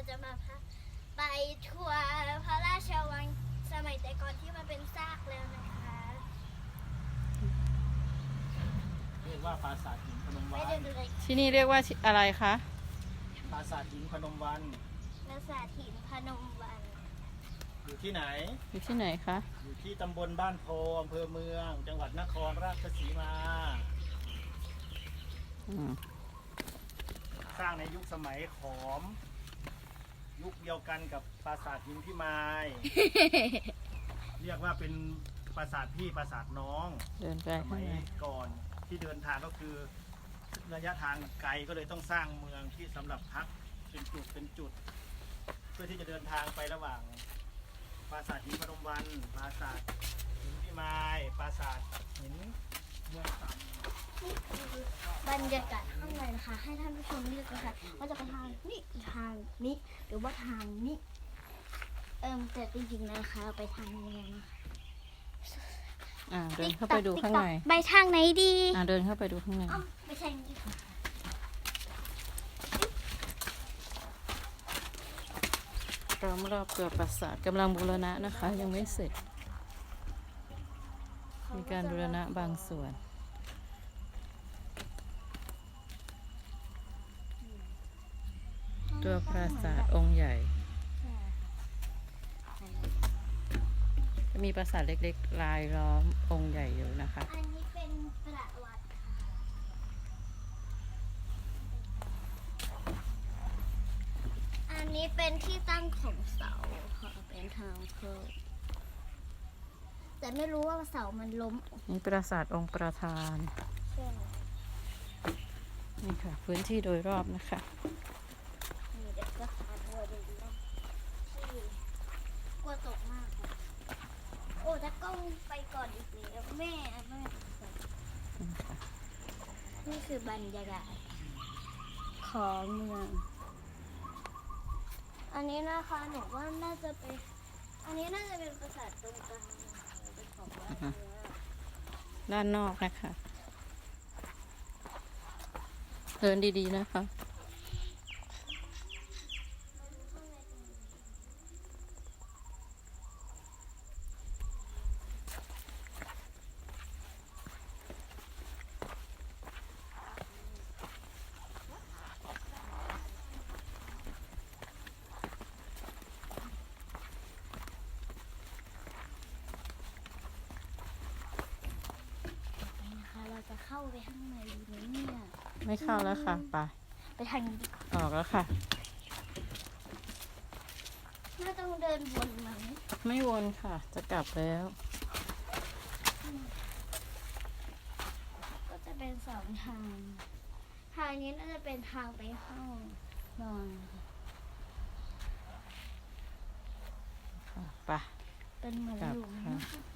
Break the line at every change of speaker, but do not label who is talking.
จะมาไปทัวร์พระราชวังสมัยแต่ก่อนที่มันเป็นซากแล้วนะคะ
เรียกว่าปราสาทหินพนม
ไม่
วัน
ได้ดูเลย
ที่นี่เรียกว่าอะไรคะ
ปราสาทหินพนมวัน
ปราสาทหินพนมวัน
อยู่ที่ไหน
อยู่ที่ไหนคะ
อยู่ที่ตำบลบ้านโพอำเภอเมือง จังหวัดนครราชสีมา
อืม
สร้างในยุคสมัยขอม ยุคเดียวกันกับปราสาทหินพิมาย เรียกว่าเป็นปราสาทพี่ปราสาทน้อง
เดินไป
ส
ข้า
มั
ง
ย
ใน
ก่อนที่เดินทางก็คือระยะทางไกลก็เลยต้องสร้างเมืองที่สำหรับพักเป็นจุด เพื่อที่จะเดินทางไประหว่างปราสาทหินพนมวันปราสาทหินพิมายปราสาทหินเมืองต่ำ
นี่คือบรรยากาศข้างในนะคะ ให้ท่านผู้ชมเลือกนะคะว่าจะไปทางนี้ทางนี้หรือว่าทางนี้แต่จริงๆนะคะไปทางนี้เลยนะคะ
เดินเข้าไปดูข้างใน
ไปทางไหนดี
เดินเข้าไปดูข้างใน
ไปทางนี้ค่ะ
ล้อมรอบตัวปราสาทกำลังบูรณะนะคะ ยังไม่เสร็จ มีการบูรณะบางส่วน ตัวปราสาทองค์ใหญ่จะมีปราสาทเล็กๆรายล้อมองค์ใหญ่อยู่นะคะ
อันนี้เป็นประวัติค่ะอันนี้เป็นที่ตั้งของเสาค่ะเป็นทางเพิ่มแต่ไม่รู้ว่าเสามันล้ม
นี่ปราสาทองค์ประธาน
ใช่ไหม
นี่ค่ะ พื้นที่โดยรอบนะคะ
นี่เดี๋ยวก็พาทัวร์ดูนะที่กลัวตกมากอะโอ้ถ้ากล้องไปก่อนอีกแล้วแม่ไปก่อนนี่คือบรรยากาศของเมือง อันนี้นะคะหนูว่าน่าจะเป็นอันนี้น่าจะเป็นปราสาทตรงกลางเป็นของวัดเนื้อ
ด้านนอกนะคะ เดินดีๆนะคะ
นะคะเราจะเข้าไปข้างในไหมเนี่ย
ไม่เข้าแล้วค่ะ ไป
ไปทางนี้ดีกว่า
ออกแล้วค่ะ
น่าต้องเดินวนไหม
ไม่วนค่ะ จะกลับแล้ว
ก็จะเป็นสองทาง ทางนี้น่าจะเป็นทางไปห้องนอน
ค่ะไป
เป็นเหมือน
กลับ
หลุม
ค่ะ
นะคะ